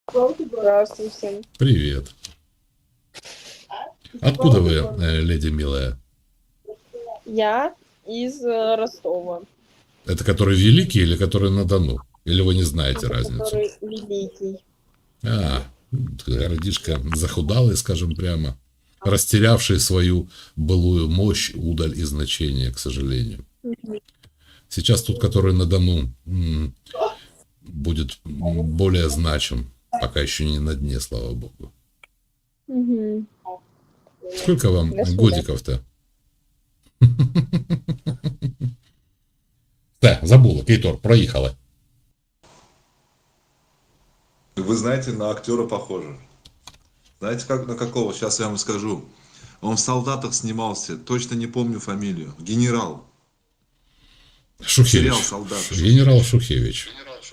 Здравствуй всем. Привет. Откуда вы, леди милая? Я из Ростова, Это который великий или который на Дону? Или вы не знаете разницу? который великий. А, городишко захудалый, скажем прямо, растерявший свою былую мощь, удаль и значение, к сожалению. Мгм. Сейчас тут, который на Дону, будет более значим, пока еще не на дне, слава богу. Мгм. Сколько вам До свидания. годиков-то? Да, забула, Кейтор, проехала. Вы знаете, на актера похоже. Знаете, как, на какого? Сейчас я вам скажу. Он в «Солдатах» снимался, точно не помню фамилию. Генерал. Сериал Шухевич. «Солдаты». Генерал Шухевич.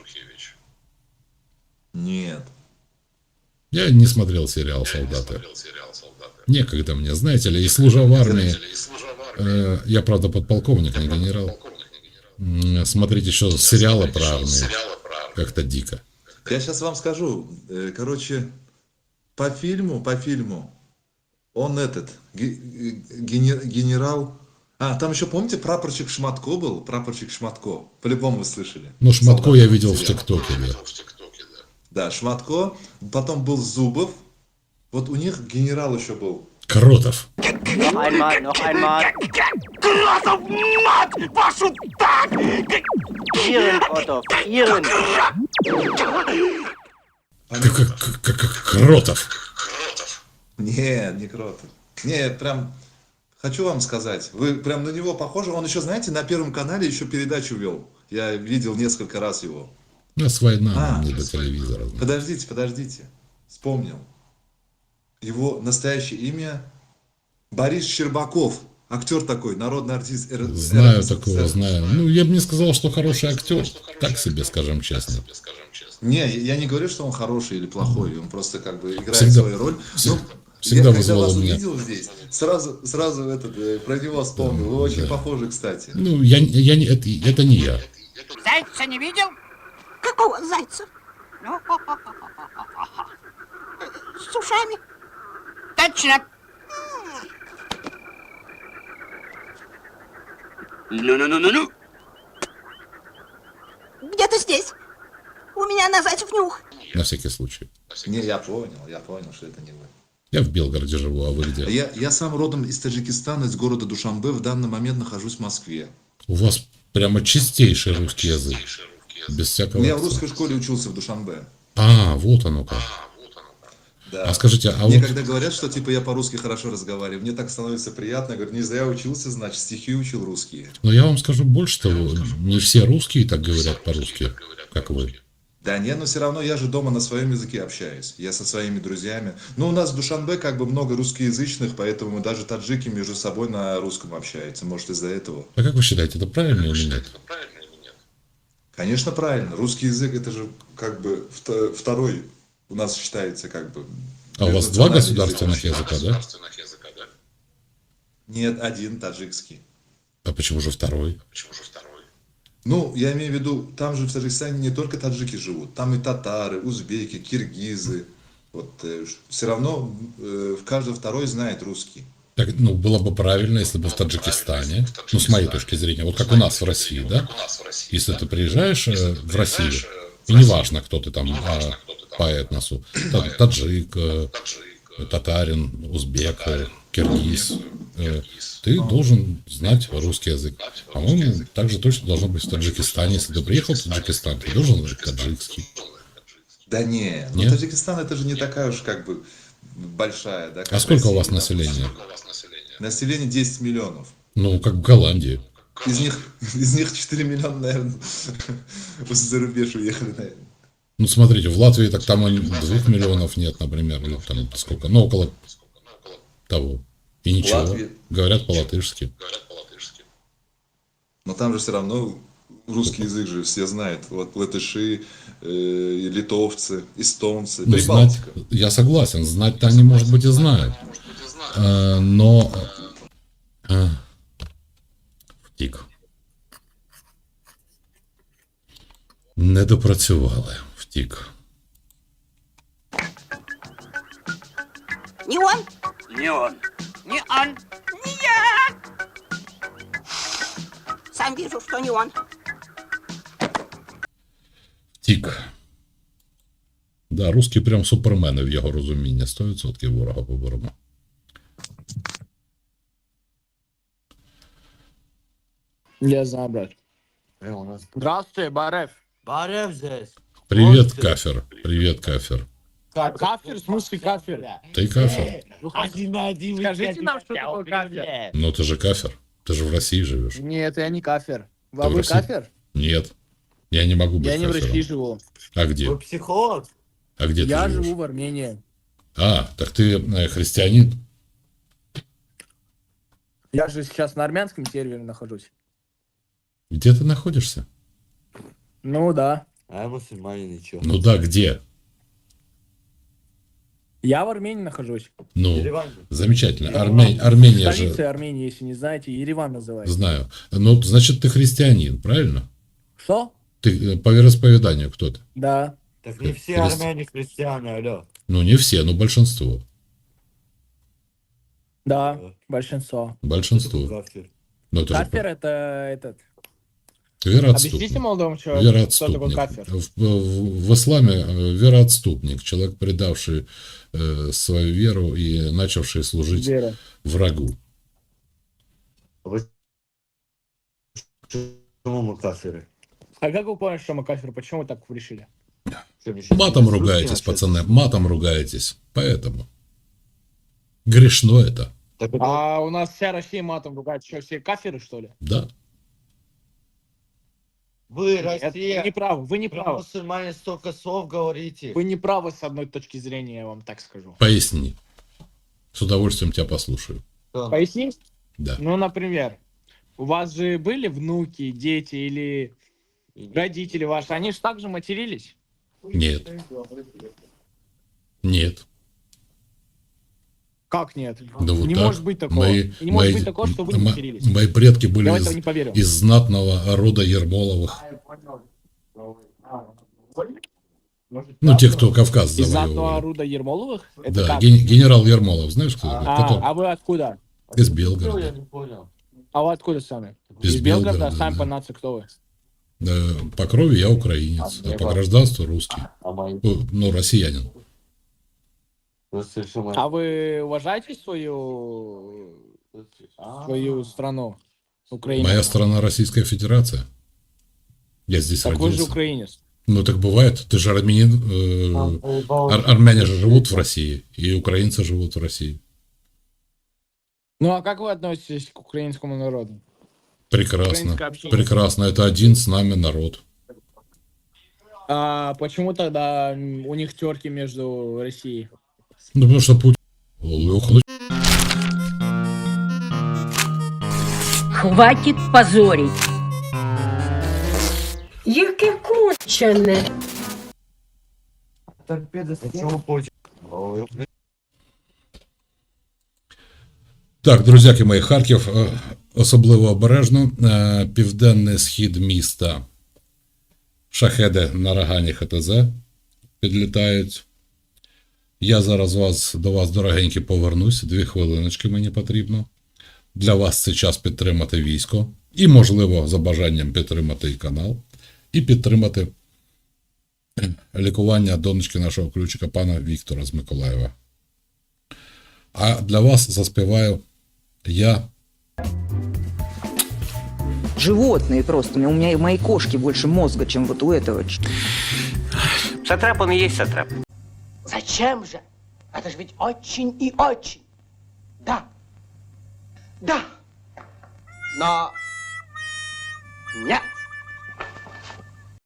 Нет. Я не смотрел сериал «Солдаты». Некогда мне, знаете ли, и служа в армии, я, правда, подполковник, не генерал, смотреть еще сериалы про армию как-то дико. Я сейчас вам скажу. Короче, по фильму, он генерал. А, там еще, помните, прапорщик Шматко был? Прапорщик Шматко. По-любому вы слышали. Ну, Шматко «Солдаты» я видел в сериал. ТикТоке, да. Да, Шматко. Потом был Зубов. Вот у них генерал еще был. Кротов. Noch einmal, noch einmal. Красов, мать вашу, так! Ihren, Otto, Ihren. Кротов. Нет, не Кротов. Не, прям хочу вам сказать, вы прям на него похожи. Он еще, знаете, на Первом канале еще передачу вел. Я видел несколько раз его. У нас война, А, нам не до телевизора. Подождите. Вспомнил. Его настоящее имя Борис Щербаков. Актер такой, народный артист Знаю РСФСР. такого, знаю. Ну, я бы не сказал, что хороший актер. Так себе, скажем честно. Не, я не говорю, что он хороший или плохой. Он просто как бы играет Всегда- свою роль. всегда- Ну, всегда я когда вызывал вас у меня- увидел здесь, сразу про него вспомнил. Вы очень похожи, кстати. Ну, я не, это не я. Зайца не видел? Какого зайца? Ну, С ушами? точно. Ну. Где-то здесь. У меня на зайцев нюх. На всякий случай. Не, я понял, что это не вы. Я в Белгороде живу, а вы где? Я сам родом из Таджикистана, из города Душанбе. В данный момент нахожусь в Москве. У вас прямо чистейший русский язык. Без всякого Я в акцента. русской школе учился в Душанбе. А, вот оно как. Да. А скажите, а Мне вот когда говорят, что типа я по-русски хорошо разговариваю, мне так становится приятно. Я говорю, не зря учился, значит, стихи учил русские. но я вам скажу больше того, не все русские так говорят по-русски, как вы. Да не, но все равно я же дома на своем языке общаюсь. Я со своими друзьями. Ну, у нас в Душанбе как бы много русскоязычных, поэтому мы даже таджики между собой на русском общаются. Может, из-за этого. А как вы считаете, это правильно или нет? Конечно, правильно. Русский язык это же как бы второй у нас считается как бы. А у вас два межнациональный государственных язык. языка, да? Нет, один таджикский. А почему же второй? Ну, я имею в виду, там же в Таджикистане не только таджики живут, там и татары, узбеки, киргизы. Вот все равно каждый второй знает русский. Так, ну, было бы правильно, если бы в Таджикистане, ну, с моей точки зрения, вот как у нас в России, да? Если ты приезжаешь в Россию, и неважно, кто ты там по этносу, таджик, татарин, узбек, киргиз, ты должен знать русский язык. По-моему, так же точно должно быть в Таджикистане. Если ты приехал в Таджикистан, ты должен знать таджикский. Да не, ну Нет? Таджикистан это же не такая уж как бы большая, да? А как сколько у Россия, вас да. населения? Население 10 миллионов. Ну, как в Голландии. Из них 4 миллиона, наверное, за рубеж уехали, наверное. Ну, смотрите, в Латвии так там 2 миллионов нет, например, или там сколько, ну, около того. И ничего, Латвия. говорят по-латышски. Но там же все равно русский язык же все знают. Вот латыши, литовцы, эстонцы, Ну, знать, Прибалтика. я согласен, знать-то они, может быть, и знают. Но... Втік. Не допрацювали, втік. Не он? Не он. Не он. Не я! Сам вижу, что не он. Тік. Да, русські прям супермени в його розумінні. 100% ворога поборемо. Я знаю, брат. Здравствуй, Барев. Барев здесь. Привет, Кафер. Привет, Кафер. Кафир? В смысле кафир? Ты Кафер? Один на один. Скажите нам, что такое кафир. Ну ты же Кафер. Ты же в России живешь. Нет, я не кафир. Ты А в вы России? кафир? Нет. Я не могу быть Я не в кафером. России живу. А где? Вы психолог? А где Я ты живешь? живу в Армении. А, так ты христианин? Я же сейчас на армянском сервере нахожусь. Где ты находишься? Ну да. А я мусульманин, ничего. Ну да, где? Я в Армении нахожусь. Ну, Ереван. замечательно. Армения Столица же... Армении, если не знаете, Ереван называется. Знаю. Ну, значит, ты христианин, правильно? Что? Ты по вероисповеданию кто ты? Да. Так не все Христ- армяне христиане, алло. Ну, не все, но большинство. Да, большинство. Большинство. Кафир. Ну, это же Кафир это этот. вероотступник. Объясните молодому человеку, что такое Вероотступник. кафир. В исламе вероотступник. Человек, предавший свою веру и начавший служить Вера. врагу. Вы почему мы кафиры? А как вы поняли, что мы кафир? Почему вы так решили? Что, мне щас Матом не ругаетесь, русские пацаны, матом ругаетесь. Поэтому. Грешно это. Так это- А у нас вся Россия матом ругает. Что, все кафиры, что ли? Да. Вы, Это Россия, не правы, вы не про правы. мусульмане столько слов говорите. Вы не правы с одной точки зрения, я вам так скажу. Поясни. С удовольствием тебя послушаю. Что? Пояснить? Да. Ну, например, у вас же были внуки, дети или родители ваши, они же также матерились? Нет. Нет. Как нет? Да вот Не так. может быть такого. И не может быть такого, что вы не матерились. Мои предки были Я в это не поверю. из знатного рода Ермоловых. Ну, те, кто Кавказ Из знатного завоевывали. рода Ермоловых? Это Да, как? генерал Ермолов, знаешь, кто такой? Который А вы откуда? из Я Белгорода. не понял. А вы откуда сами? Из Из Белгорода, Белгорода, а сами да. по нации кто вы? По крови я украинец, а по гражданству русский. А мои? Ну, россиянин. Просто что мы- А вы уважаете свою страну? Украину? Моя страна Российская Федерация. Я здесь Так вы же родился. украинец. Ну, так бывает. Ты же армянин. Армяне же живут в России, и украинцы живут в России. Ну а как вы относитесь к украинскому народу? Прекрасно. Украинское общение. Прекрасно. Это один с нами народ. А почему тогда у них терки между Россией? Ну, потому что Путин... Ох, Хватит позорить. Яке кончене. Почему Путин? Ой, Так, друзяки мої, Харків особливо обережно. Південний схід міста. Шахеди на Рагані ХТЗ підлітають. Я зараз до вас, дорогенькі, повернусь. 2 хвилиночки мені потрібно. Для вас це час підтримати військо. І, можливо, за бажанням підтримати і канал. І підтримати лікування донечки нашого ключика, пана Віктора з Миколаєва. А для вас заспіваю я. Животные просто. У меня и моей кошки больше мозга, чем вот у этого. Сатрап он и есть сатрап. Зачем же? Это же ведь очень и очень. Да. Да. Но нет.